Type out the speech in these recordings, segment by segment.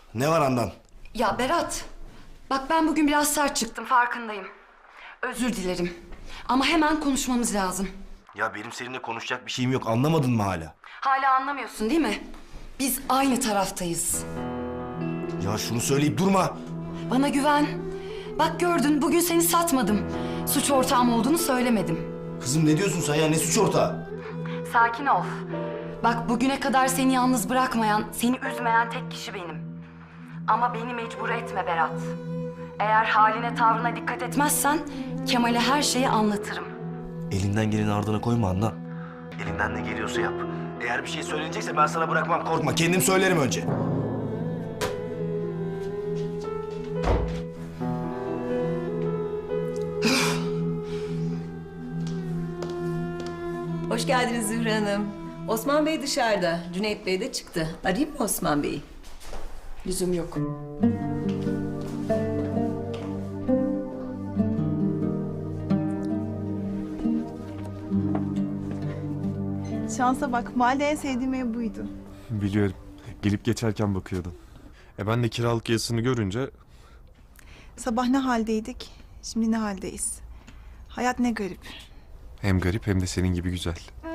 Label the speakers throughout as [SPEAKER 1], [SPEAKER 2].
[SPEAKER 1] Ne var Handan?
[SPEAKER 2] Ya Berat, bak ben bugün biraz sert çıktım, farkındayım. Özür dilerim. Ama hemen konuşmamız lazım.
[SPEAKER 1] Ya benim seninle konuşacak bir şeyim yok, anlamadın mı hala?
[SPEAKER 2] Hala anlamıyorsun değil mi? Biz aynı taraftayız.
[SPEAKER 1] Ya şunu söyleyip durma.
[SPEAKER 2] Bana güven. Bak gördün, bugün seni satmadım. Suç ortağım olduğunu söylemedim.
[SPEAKER 1] Kızım ne diyorsun sen ya, ne suç ortağı?
[SPEAKER 2] Sakin ol. Bak bugüne kadar seni yalnız bırakmayan, seni üzmeyen tek kişi benim. Ama beni mecbur etme Berat. Eğer haline tavrına dikkat etmezsen Kemal'e her şeyi anlatırım.
[SPEAKER 1] Elinden geleni ardına koyma Handan. Elinden ne geliyorsa yap. Eğer bir şey söylenecekse ben sana bırakmam, korkma. Kendim söylerim önce.
[SPEAKER 3] Hoş geldiniz Zühre Hanım. Osman Bey dışarıda. Cüneyt Bey de çıktı. Arayayım mı Osman Bey'i?
[SPEAKER 2] Lüzum yok.
[SPEAKER 4] Şansa bak, mahallede en sevdiğim ev buydu.
[SPEAKER 5] Biliyorum. Gelip geçerken bakıyordun. Ben de kiralık yazısını görünce
[SPEAKER 4] Sabah ne haldeydik, şimdi ne haldeyiz. Hayat ne garip.
[SPEAKER 5] hem garip hem de senin gibi güzel.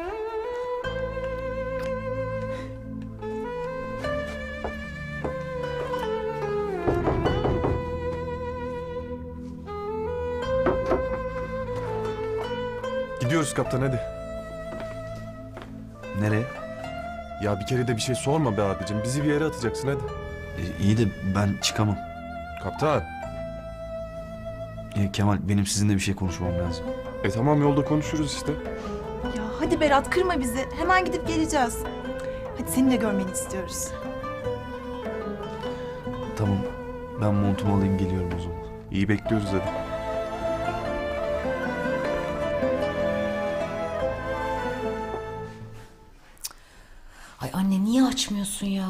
[SPEAKER 5] Gidiyoruz kaptan hadi.
[SPEAKER 1] Nereye?
[SPEAKER 5] Ya bir kere de bir şey sorma be abicim. Bizi bir yere atacaksın hadi.
[SPEAKER 1] İyi de ben çıkamam.
[SPEAKER 5] Kaptan.
[SPEAKER 1] Kemal, benim sizinle bir şey konuşmam lazım.
[SPEAKER 5] Tamam yolda konuşuruz işte.
[SPEAKER 4] Ya hadi Berat, kırma bizi. Hemen gidip geleceğiz. Hadi seni de görmeni istiyoruz.
[SPEAKER 1] Tamam, ben montumu alayım geliyorum o zaman.
[SPEAKER 5] İyi bekliyoruz hadi.
[SPEAKER 6] Ay anne niye açmıyorsun ya?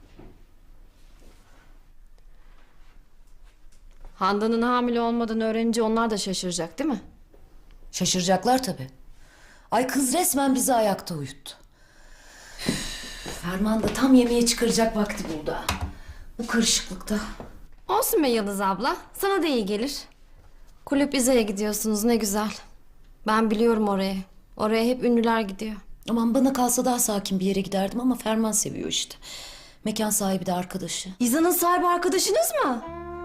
[SPEAKER 7] Handan'ın hamile olmadığını öğrenince onlar da şaşıracak değil mi?
[SPEAKER 6] Şaşıracaklar tabii. Ay kız resmen bizi ayakta uyuttu. Üf, Ferman da tam yemeğe çıkaracak vakti buldu ha. Bu karışıklıkta.
[SPEAKER 7] Olsun be Yıldız abla. Sana da iyi gelir. Kulüp İze'ye gidiyorsunuz ne güzel. Ben biliyorum orayı. Oraya hep ünlüler gidiyor.
[SPEAKER 6] Aman bana kalsa daha sakin bir yere giderdim ama Ferman seviyor işte. Mekan sahibi de arkadaşı.
[SPEAKER 7] İza'nın sahibi arkadaşınız mı?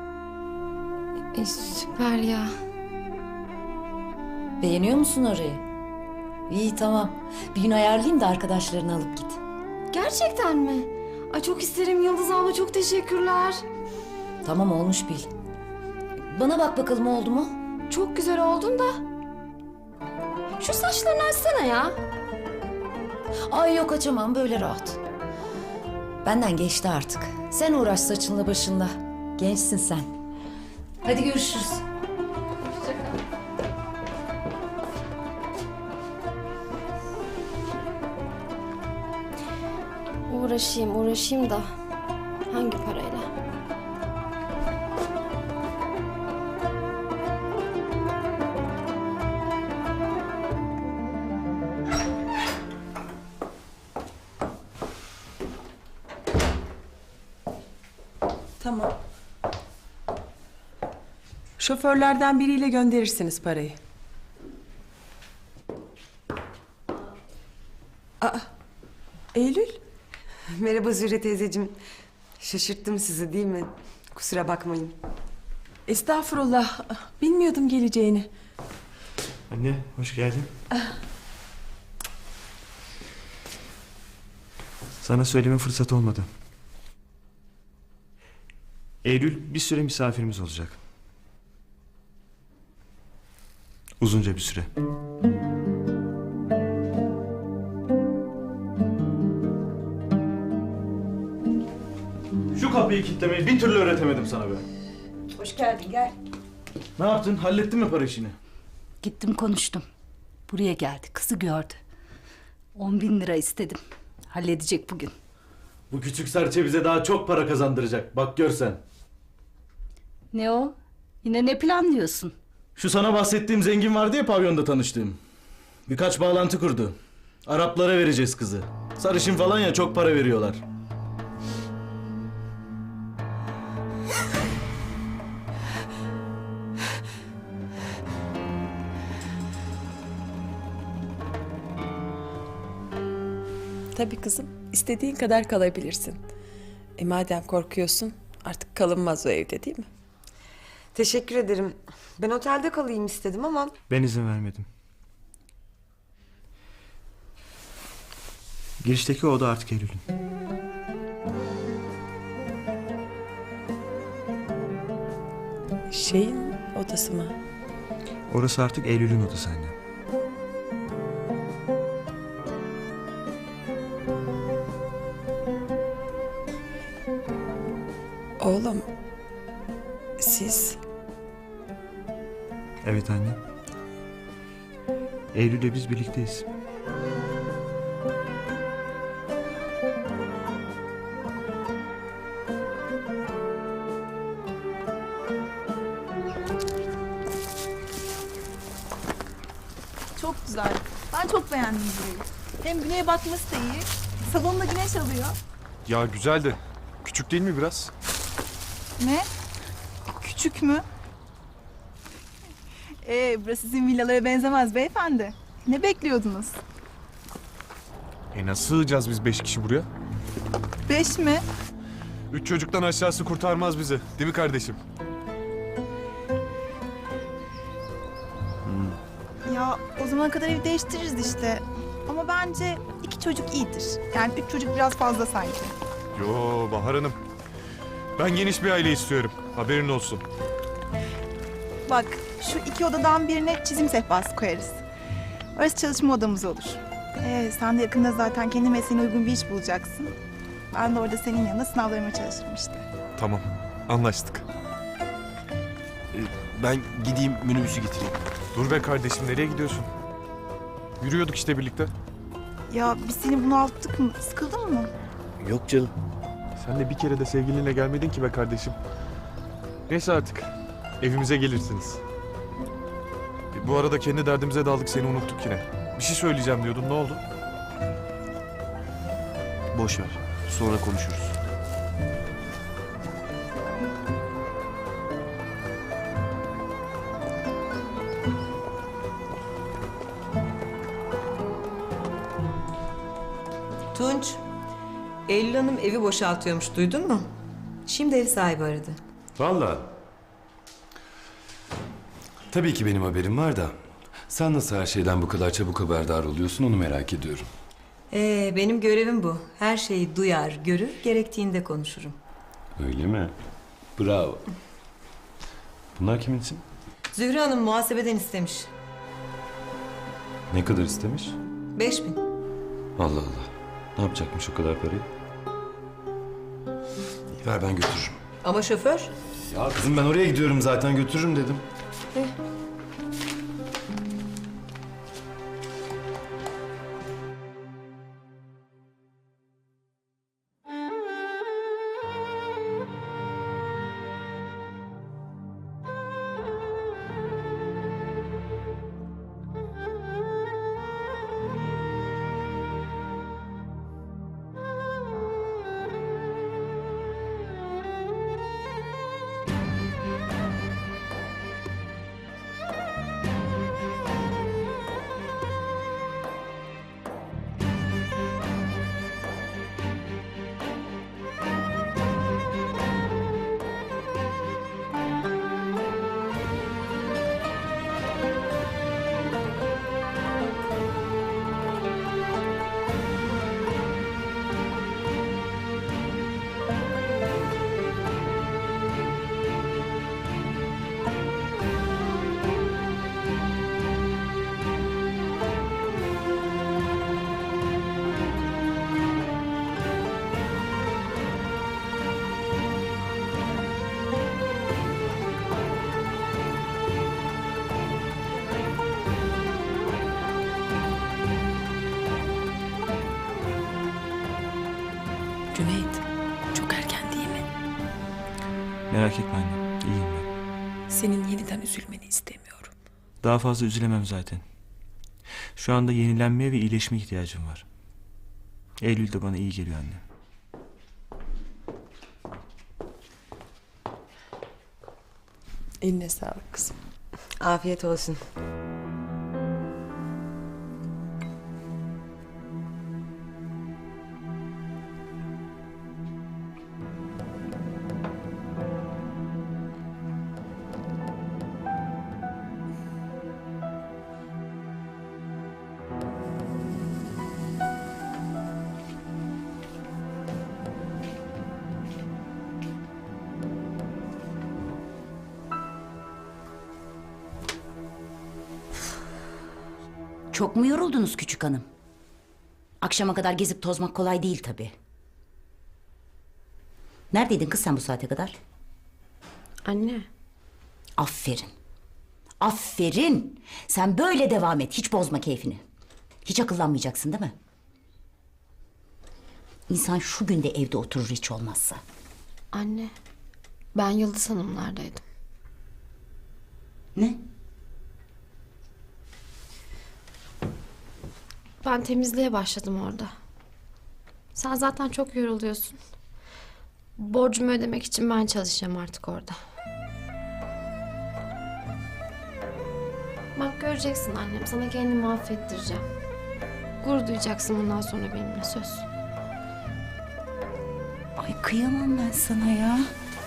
[SPEAKER 7] Süper ya.
[SPEAKER 6] Beğeniyor musun orayı? İyi tamam. Bir gün ayarlayayım da arkadaşlarını alıp git.
[SPEAKER 7] Gerçekten mi? Ay çok isterim Yıldız abla, çok teşekkürler.
[SPEAKER 6] Tamam olmuş bil. Bana bak bakalım oldu mu?
[SPEAKER 7] Çok güzel oldun da. Şu saçlarını açsana ya.
[SPEAKER 6] Ay yok açamam, böyle rahat. Benden geçti artık. Sen uğraş saçınla başınla. Gençsin sen. Hadi görüşürüz.
[SPEAKER 7] Uğraşayım da hangi parayla?
[SPEAKER 8] Tamam. Şoförlerden biriyle gönderirsiniz parayı. Eylül.
[SPEAKER 9] Merhaba Zühre teyzeciğim. Şaşırttım sizi değil mi? Kusura bakmayın.
[SPEAKER 8] Estağfurullah. Bilmiyordum geleceğini.
[SPEAKER 1] Anne, hoş geldin.
[SPEAKER 10] Sana söyleme fırsatı olmadı. Eylül bir süre misafirimiz olacak. Uzunca bir süre.
[SPEAKER 11] Şu kapıyı kilitlemeyi bir türlü öğretemedim sana be.
[SPEAKER 3] Hoş geldin, gel.
[SPEAKER 11] Ne yaptın? Hallettin mi para işini?
[SPEAKER 12] Gittim konuştum. Buraya geldi, kızı gördü. 10.000 lira istedim. Halledecek bugün.
[SPEAKER 11] Bu küçük serçe bize daha çok para kazandıracak. Bak görsen.
[SPEAKER 12] Ne o? Yine ne planlıyorsun?
[SPEAKER 11] Şu sana bahsettiğim zengin vardı ya pavyonda tanıştığım. Birkaç bağlantı kurdu. Araplara vereceğiz kızı. Sarışın falan ya, çok para veriyorlar.
[SPEAKER 8] Tabii kızım. İstediğin kadar kalabilirsin. Madem korkuyorsun artık kalınmaz o evde değil mi?
[SPEAKER 9] Teşekkür ederim. Ben otelde kalayım istedim ama...
[SPEAKER 10] Ben izin vermedim. Girişteki oda artık Eylül'ün.
[SPEAKER 8] Şeyin odası mı?
[SPEAKER 10] Orası artık Eylül'ün odası anne.
[SPEAKER 8] Oğlum, siz...
[SPEAKER 10] Evet anne. Eylül'le biz birlikteyiz.
[SPEAKER 4] Çok güzel. Ben çok beğendim burayı. Hem güneye bakması da iyi. Salonda güneş alıyor.
[SPEAKER 5] Ya güzel de küçük değil mi biraz?
[SPEAKER 4] Ne? Küçük mü? Burası sizin villalara benzemez beyefendi. Ne bekliyordunuz?
[SPEAKER 5] Nasıl sığacağız biz 5 kişi buraya?
[SPEAKER 4] 5 mi?
[SPEAKER 5] 3 çocuktan aşağısı kurtarmaz bizi. Değil mi kardeşim?
[SPEAKER 4] Ya o zamana kadar evi değiştiririz işte. Ama bence 2 çocuk iyidir. Yani 3 çocuk biraz fazla sanki.
[SPEAKER 5] Yo Bahar Hanım. Ben geniş bir aile istiyorum. Haberin olsun.
[SPEAKER 4] Bak şu 2 odadan birine çizim sehpası koyarız. Orası çalışma odamız olur. Sen de yakında zaten kendi mesleğine uygun bir iş bulacaksın. Ben de orada senin yanında sınavlarıma çalışırım işte.
[SPEAKER 5] Tamam. Anlaştık.
[SPEAKER 1] Ben gideyim minibüsü getireyim.
[SPEAKER 5] Dur be kardeşim nereye gidiyorsun? Yürüyorduk işte birlikte.
[SPEAKER 4] Ya biz seni bunalttık mı? Sıkıldın mı?
[SPEAKER 1] Yok canım.
[SPEAKER 5] Sen de bir kere de sevgilinle gelmedin ki be kardeşim. Neyse artık. Evimize gelirsiniz. Bu arada kendi derdimize daldık seni unuttuk yine. Bir şey söyleyeceğim diyordun ne oldu?
[SPEAKER 1] Boş ver. Sonra konuşuruz.
[SPEAKER 3] Tunç, Eylül Hanım evi boşaltıyormuş, duydun mu? Şimdi ev sahibi aradı.
[SPEAKER 13] Vallahi. Tabii ki benim haberim var da. Sen nasıl her şeyden bu kadar çabuk haberdar oluyorsun onu merak ediyorum.
[SPEAKER 3] Benim görevim bu. Her şeyi duyar, görür, gerektiğinde konuşurum.
[SPEAKER 13] Öyle mi? Bravo. Bunlar kimin için?
[SPEAKER 3] Zühre Hanım muhasebeden istemiş.
[SPEAKER 13] Ne kadar istemiş?
[SPEAKER 3] 5000.
[SPEAKER 13] Allah Allah. Ne yapacakmış o kadar parayı? Ver ben götürürüm.
[SPEAKER 3] Ama şoför?
[SPEAKER 13] Ya kızım ben oraya gidiyorum zaten götürürüm dedim.
[SPEAKER 8] Cüneyt, çok erken değil mi?
[SPEAKER 10] Merak etme anne. İyiyim ben.
[SPEAKER 8] Senin yeniden üzülmeni istemiyorum.
[SPEAKER 10] Daha fazla üzülemem zaten. Şu anda yenilenmeye ve iyileşmeye ihtiyacım var. Eylül de bana iyi geliyor anne.
[SPEAKER 8] Eline sağlık kızım.
[SPEAKER 9] Afiyet olsun.
[SPEAKER 12] Çok mu yoruldunuz küçük hanım? Akşama kadar gezip tozmak kolay değil tabii. Neredeydin kız sen bu saate kadar?
[SPEAKER 7] Anne.
[SPEAKER 12] Aferin. Aferin. Sen böyle devam et. Hiç bozma keyfini. Hiç akıllanmayacaksın değil mi? İnsan şu günde evde oturur hiç olmazsa.
[SPEAKER 7] Anne. Ben Yıldız Hanımlardaydım.
[SPEAKER 12] Ne?
[SPEAKER 7] Ben temizliğe başladım orada. Sen zaten çok yoruluyorsun. Borcumu ödemek için ben çalışacağım artık orada. Bak göreceksin annem, sana kendimi affettireceğim. Gurur duyacaksın bundan sonra benimle, söz.
[SPEAKER 12] Ay kıyamam ben sana ya.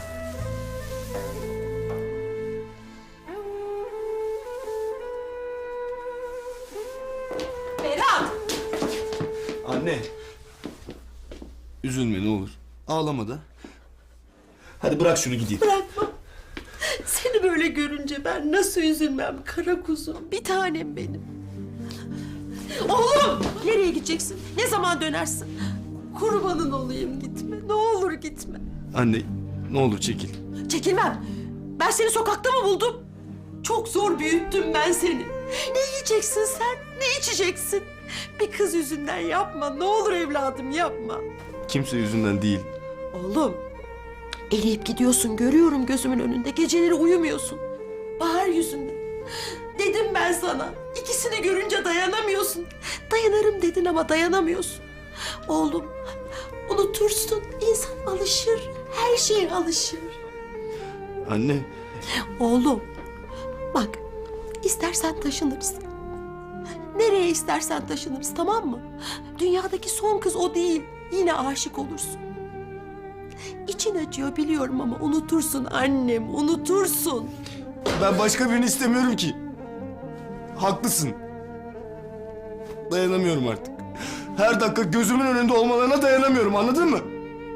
[SPEAKER 1] Anne. Üzülme ne olur. Ağlama da. Hadi bırak şunu gideyim.
[SPEAKER 14] Bırakma. Seni böyle görünce ben nasıl üzülmem kara kuzum. Bir tanem benim. Oğlum! Nereye gideceksin? Ne zaman dönersin? Kurbanın olayım gitme. Ne olur gitme.
[SPEAKER 1] Anne ne olur çekil.
[SPEAKER 14] Çekilmem. Ben seni sokakta mı buldum? Çok zor büyüttüm ben seni. Ne yiyeceksin sen? Ne içeceksin? Bir kız yüzünden yapma. Ne olur evladım yapma.
[SPEAKER 1] Kimse yüzünden değil.
[SPEAKER 14] Oğlum, eleyip gidiyorsun görüyorum gözümün önünde. Geceleri uyumuyorsun. Bahar yüzünden. Dedim ben sana. İkisini görünce dayanamıyorsun. Dayanırım dedin ama dayanamıyorsun. Oğlum, unutursun. İnsan alışır. Her şeye alışır.
[SPEAKER 1] Anne.
[SPEAKER 14] Oğlum, bak istersen taşınırız. Nereye istersen taşınırız, tamam mı? Dünyadaki son kız o değil. Yine aşık olursun. İçin acıyor biliyorum ama unutursun annem, unutursun.
[SPEAKER 1] Ben başka birini istemiyorum ki. Haklısın. Dayanamıyorum artık. Her dakika gözümün önünde olmalarına dayanamıyorum, anladın mı?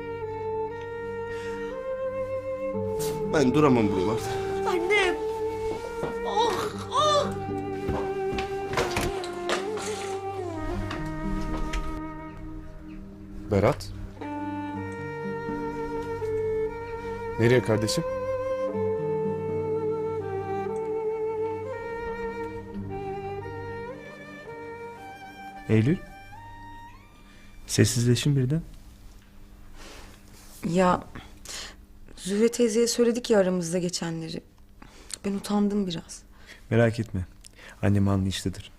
[SPEAKER 1] Ben duramam buralarda.
[SPEAKER 14] Annem. Oh, oh.
[SPEAKER 5] Berat. Nereye kardeşim?
[SPEAKER 10] Eylül. Sessizleşin birden.
[SPEAKER 9] Ya Zühre teyzeye söyledik ya aramızda geçenleri. Ben utandım biraz.
[SPEAKER 10] Merak etme. Annem anlayışlıdır.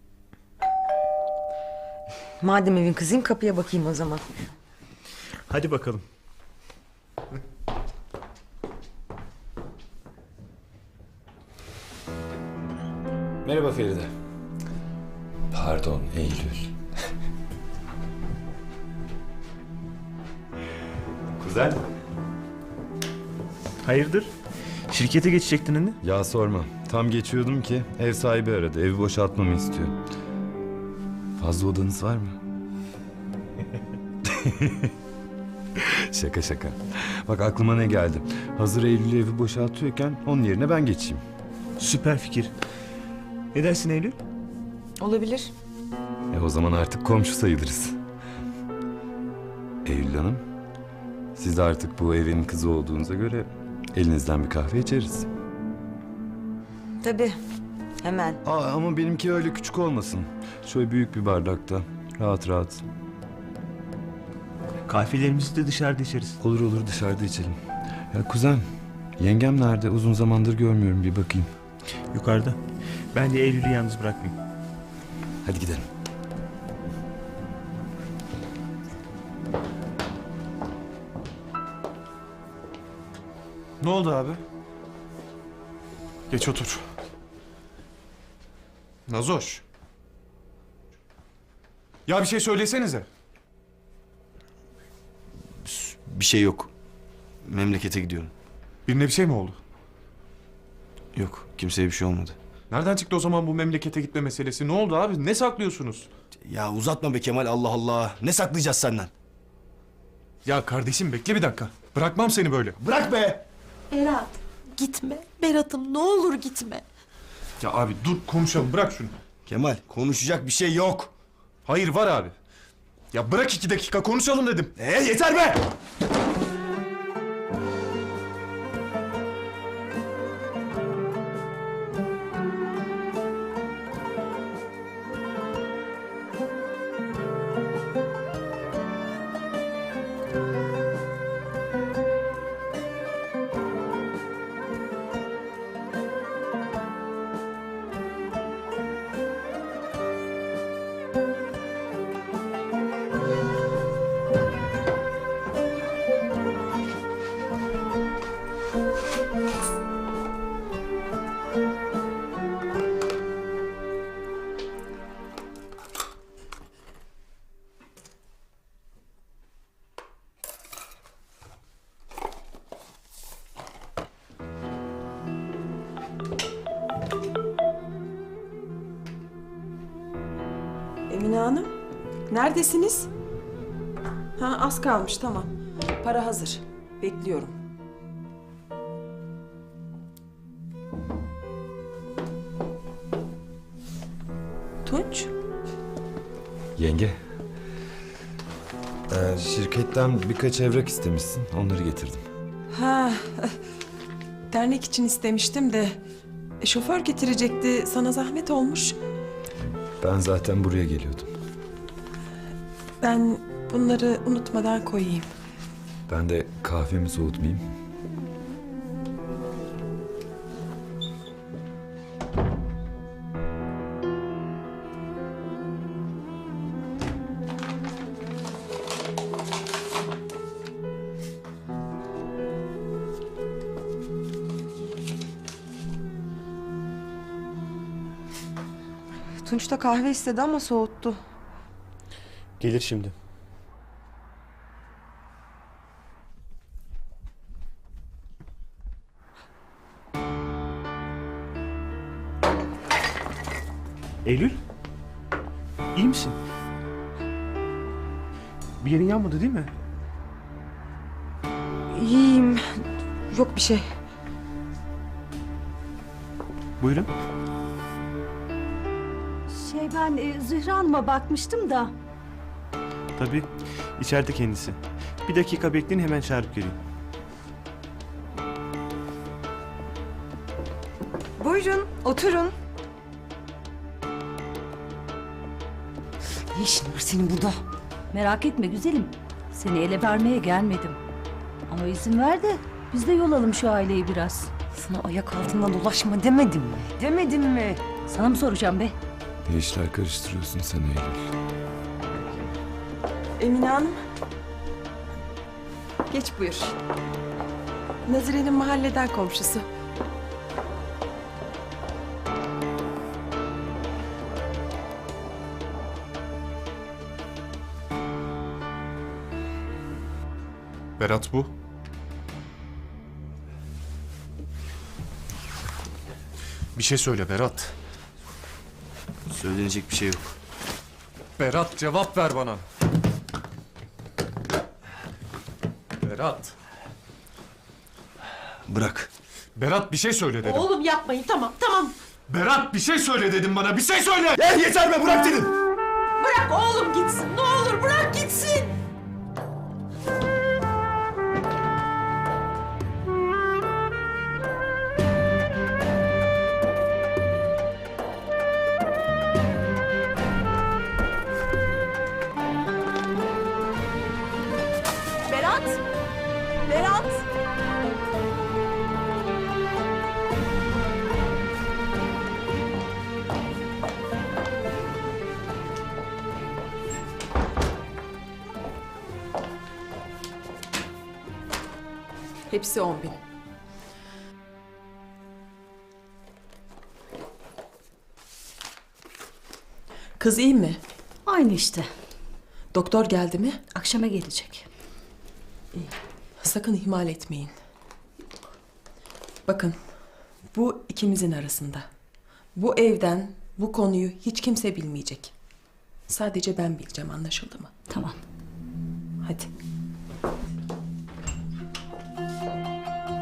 [SPEAKER 9] Madem evin kızıyım kapıya bakayım o zaman.
[SPEAKER 10] Hadi bakalım.
[SPEAKER 13] Merhaba Feride. Pardon Eylül.
[SPEAKER 10] Kuzen. Hayırdır? Şirkete geçecektin hani?
[SPEAKER 13] Ya sorma. Tam geçiyordum ki ev sahibi aradı. Evi boşaltmamı istiyor. Fazla odanız var mı? Şaka şaka. Bak aklıma ne geldi. Hazır Eylül evi boşaltıyorken onun yerine ben geçeyim.
[SPEAKER 10] Süper fikir. Ne dersin Eylül?
[SPEAKER 9] Olabilir.
[SPEAKER 13] O zaman artık komşu sayılırız. Eylül Hanım, siz de artık bu evin kızı olduğunuza göre elinizden bir kahve içeriz.
[SPEAKER 9] Tabii. Hemen.
[SPEAKER 13] Ama benimki öyle küçük olmasın. Şöyle büyük bir bardakta. Rahat rahat.
[SPEAKER 10] Kahvelerimizi de dışarıda içeriz.
[SPEAKER 13] Olur olur dışarıda içelim. Ya kuzen, yengem nerede? Uzun zamandır görmüyorum, bir bakayım.
[SPEAKER 10] Yukarıda. Ben de Eylül'ü yalnız bırakmayayım.
[SPEAKER 13] Hadi gidelim.
[SPEAKER 5] Ne oldu abi? Geç otur. Nazoş. Ya bir şey söylesenize.
[SPEAKER 1] Bir şey yok. Memlekete gidiyorum.
[SPEAKER 5] Birine bir şey mi oldu?
[SPEAKER 1] Yok, kimseye bir şey olmadı.
[SPEAKER 5] Nereden çıktı o zaman bu memlekete gitme meselesi? Ne oldu abi? Ne saklıyorsunuz?
[SPEAKER 1] Ya uzatma be Kemal, Allah Allah. Ne saklayacağız senden?
[SPEAKER 5] Ya kardeşim bekle bir dakika. Bırakmam seni böyle.
[SPEAKER 1] Bırak be!
[SPEAKER 14] Berat, gitme. Berat'ım ne olur gitme.
[SPEAKER 5] Ya abi dur konuşalım, bırak şunu.
[SPEAKER 1] Kemal, konuşacak bir şey yok.
[SPEAKER 5] Hayır var abi. Ya bırak 2 dakika konuşalım dedim.
[SPEAKER 1] Yeter be!
[SPEAKER 8] Emine Hanım, neredesiniz? Ha, az kalmış, tamam. Para hazır. Bekliyorum. Tunç,
[SPEAKER 13] Yenge. Şirketten birkaç evrak istemişsin. Onları getirdim.
[SPEAKER 8] ha, dernek için istemiştim de şoför getirecekti. Sana zahmet olmuş.
[SPEAKER 13] Ben zaten buraya geliyordum.
[SPEAKER 8] Ben bunları unutmadan koyayım.
[SPEAKER 13] Ben de kahvemi soğutmayayım.
[SPEAKER 9] Tunç da kahve istedi ama soğuttu.
[SPEAKER 10] Gelir şimdi. Eylül? İyi misin? Bir yerin yanmadı değil mi?
[SPEAKER 9] İyiyim. Yok bir şey.
[SPEAKER 10] Buyurun.
[SPEAKER 12] Ben Zühre Hanım'a bakmıştım da.
[SPEAKER 10] Tabii. İçeride kendisi. Bir dakika bekleyin, hemen çağırıp geleyim.
[SPEAKER 9] Buyurun, oturun.
[SPEAKER 12] Ne işin var senin burada? Merak etme güzelim. Seni ele vermeye gelmedim. Ama izin ver de biz de yol alalım şu aileyi biraz.
[SPEAKER 9] Sana ayak altından dolaşma demedim mi? Demedim mi?
[SPEAKER 12] Sana mı soracağım be?
[SPEAKER 13] Ne işler karıştırıyorsun sen Eylül?
[SPEAKER 8] Emine Hanım. Geç buyur. Nazire'nin mahalleden komşusu.
[SPEAKER 5] Berat bu. Bir şey söyle Berat.
[SPEAKER 1] Söylenecek bir şey yok.
[SPEAKER 5] Berat cevap ver bana. Berat.
[SPEAKER 1] Bırak.
[SPEAKER 5] Berat bir şey söyle dedim.
[SPEAKER 14] Oğlum yapmayın, tamam tamam.
[SPEAKER 5] Berat bir şey söyle dedim bana. Bir şey söyle.
[SPEAKER 1] Yeter be, bırak dedim.
[SPEAKER 14] Bırak oğlum gitsin, ne olur bırak gitsin.
[SPEAKER 4] Berat! Berat!
[SPEAKER 8] Hepsi 10.000. Kız iyi mi?
[SPEAKER 12] Aynı işte.
[SPEAKER 8] Doktor geldi mi?
[SPEAKER 12] Akşama gelecek.
[SPEAKER 8] Sakın ihmal etmeyin. Bakın, bu ikimizin arasında. Bu evden bu konuyu hiç kimse bilmeyecek. Sadece ben bileceğim, anlaşıldı mı?
[SPEAKER 12] Tamam.
[SPEAKER 8] Hadi.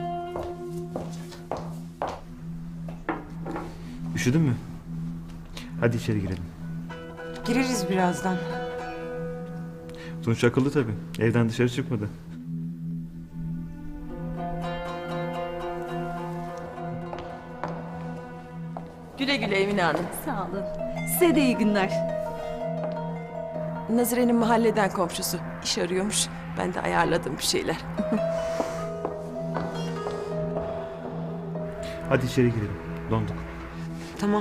[SPEAKER 10] Üşüdün mü? Hadi içeri girelim.
[SPEAKER 9] Gireriz birazdan.
[SPEAKER 10] Tunç akıllı tabii. Evden dışarı çıkmadı.
[SPEAKER 8] Güle güle Emine Hanım.
[SPEAKER 6] Sağ olun. Size de iyi günler.
[SPEAKER 8] Nazire'nin mahalleden komşusu. İş arıyormuş. Ben de ayarladım bir şeyler.
[SPEAKER 10] Hadi içeri girelim. Donduk.
[SPEAKER 9] Tamam.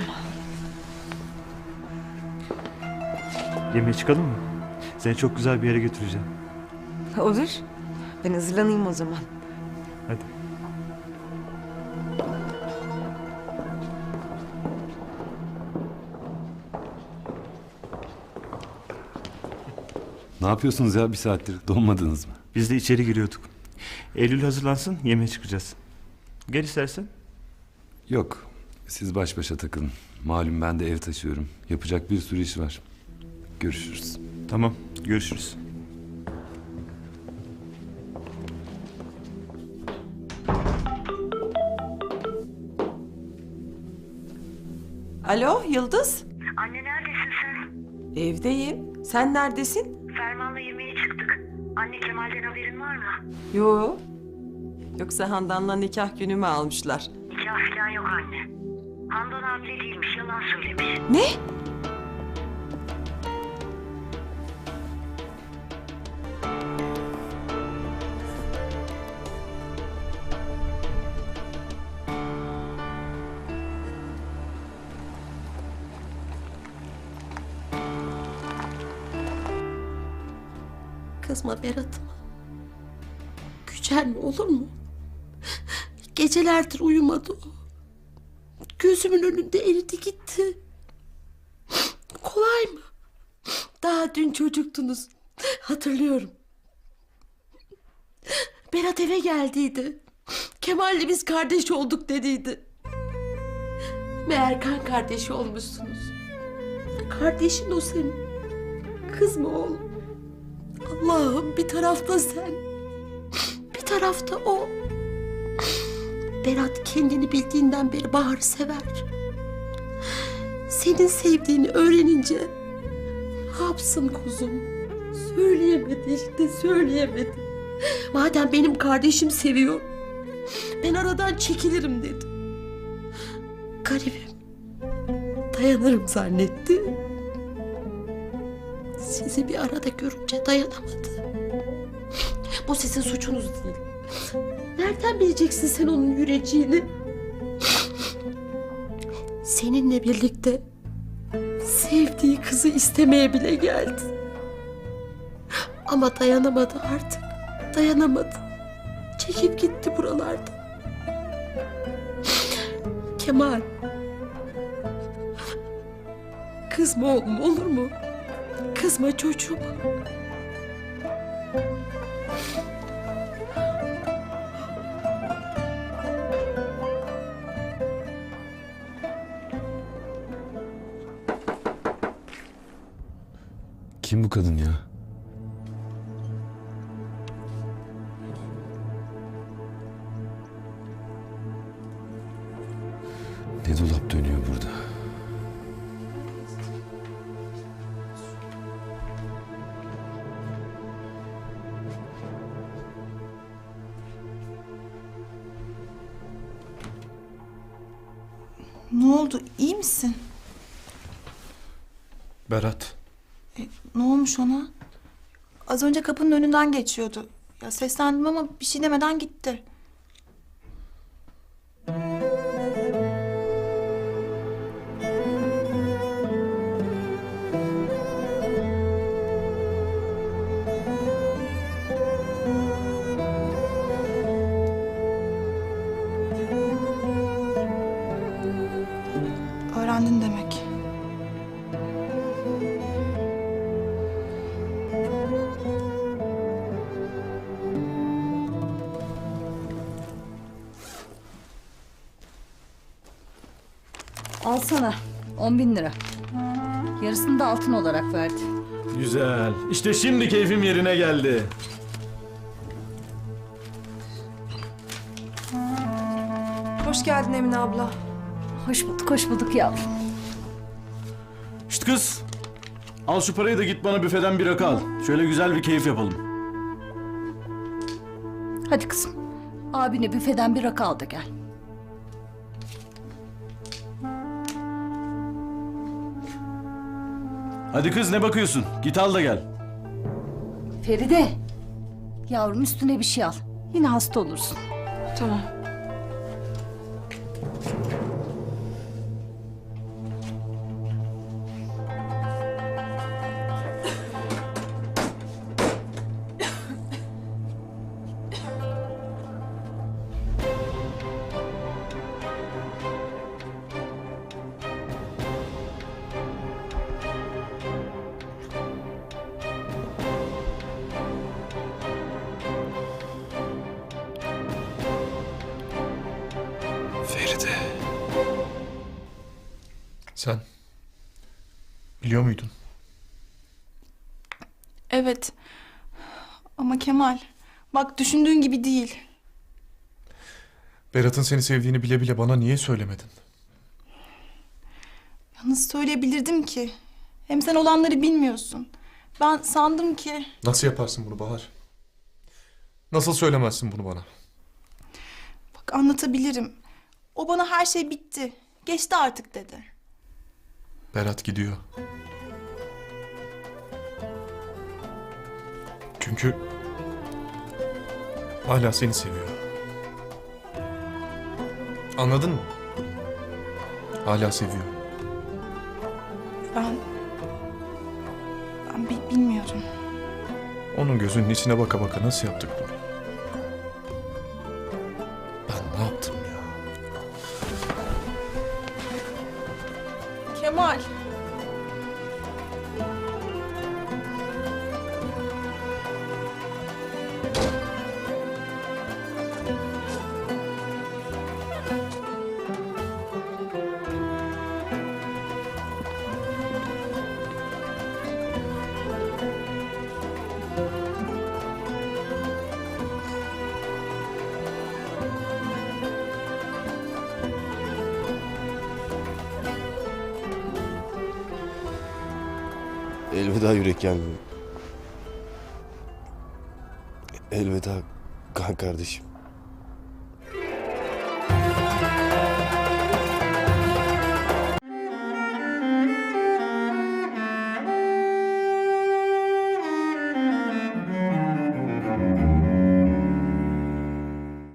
[SPEAKER 10] Yemeğe çıkalım mı? Seni çok güzel bir yere götüreceğim.
[SPEAKER 9] Olur. Ben hazırlanayım o zaman.
[SPEAKER 10] Hadi.
[SPEAKER 13] Ne yapıyorsunuz ya bir saattir? Donmadınız mı?
[SPEAKER 10] Biz de içeri giriyorduk. Eylül hazırlansın, yemeğe çıkacağız. Gel istersen.
[SPEAKER 13] Yok. Siz baş başa takılın. Malum ben de ev taşıyorum. Yapacak bir sürü iş var. Görüşürüz.
[SPEAKER 10] Tamam, görüşürüz.
[SPEAKER 8] Alo Yıldız.
[SPEAKER 15] Anne neredesin sen?
[SPEAKER 8] Evdeyim. Sen neredesin?
[SPEAKER 15] Ferman'la yemeğe çıktık. Anne Kemal'den haberin var mı?
[SPEAKER 8] Yo. Yoksa Handan'la nikah günümü almışlar.
[SPEAKER 15] Nikah falan yok anne. Handan hamile değilmiş, yalan söylemiş.
[SPEAKER 8] Ne?
[SPEAKER 14] Kızma Berat'ıma. Gücenme olur mu? Gecelerdir uyumadı o. Gözümün önünde eridi gitti. Kolay mı? Daha dün çocuktunuz. Hatırlıyorum. Berat eve geldiydi. Kemal'le biz kardeş olduk dediydi. Meğer kan kardeşi olmuşsunuz. Kardeşin o senin. Kızma oğlum. Allah'ım bir tarafta sen. Bir tarafta o. Berat kendini bildiğinden beri Bahar'ı sever. Senin sevdiğini öğrenince ne yapsın kuzum? Söyleyemedi işte söyleyemedi. Madem benim kardeşim seviyor, ben aradan çekilirim dedi. Garibim. Dayanırım zannetti. Sizi bir arada görünce dayanamadı. Bu sizin suçunuz değil. Nereden bileceksin sen onun yüreceğini? Seninle birlikte sevdiği kızı istemeye bile geldi. Ama dayanamadı artık. Dayanamadı. Çekip gitti buralardan. Kemal. Kızma oğlum olur mu? Kızma çocuğum.
[SPEAKER 13] Kim bu kadın ya? Ne dolap dönüyor burada?
[SPEAKER 4] Ne oldu? İyi misin?
[SPEAKER 5] Berat.
[SPEAKER 4] Ne olmuş ona? Az önce kapının önünden geçiyordu. Ya seslendim ama bir şey demeden gitti. Öğrendin demek.
[SPEAKER 6] Al sana 10.000 lira. Yarısını da altın olarak verdi.
[SPEAKER 11] Güzel. İşte şimdi keyfim yerine geldi.
[SPEAKER 8] Hoş geldin Emine abla.
[SPEAKER 6] Hoş bulduk yavrum.
[SPEAKER 11] kız. Al şu parayı da git bana büfeden bir rakı al. Şöyle güzel bir keyif yapalım.
[SPEAKER 12] Hadi kızım. Abine büfeden bir rakı al da gel.
[SPEAKER 11] Hadi kız ne bakıyorsun? Git al da gel.
[SPEAKER 12] Feride. Yavrum üstüne bir şey al. Yine hasta olursun.
[SPEAKER 8] Tamam.
[SPEAKER 5] Feride. Sen biliyor muydun?
[SPEAKER 4] Evet. Ama Kemal, bak düşündüğün gibi değil.
[SPEAKER 5] Berat'ın seni sevdiğini bile bile bana niye söylemedin?
[SPEAKER 4] Ya nasıl söyleyebilirdim ki? Hem sen olanları bilmiyorsun. Ben sandım ki...
[SPEAKER 5] Nasıl yaparsın bunu Bahar? Nasıl söylemezsin bunu bana?
[SPEAKER 4] Bak anlatabilirim. O bana her şey bitti. Geçti artık dedi.
[SPEAKER 5] Berat gidiyor. Çünkü hala seni seviyor. Anladın mı? Hala seviyor.
[SPEAKER 4] Ben bilmiyorum.
[SPEAKER 5] Onun gözünün içine baka baka nasıl yaptık bunu? Ben ne yaptım ya?
[SPEAKER 4] Kemal.
[SPEAKER 1] Elveda yürek yanmıyor. Elveda kan kardeşim.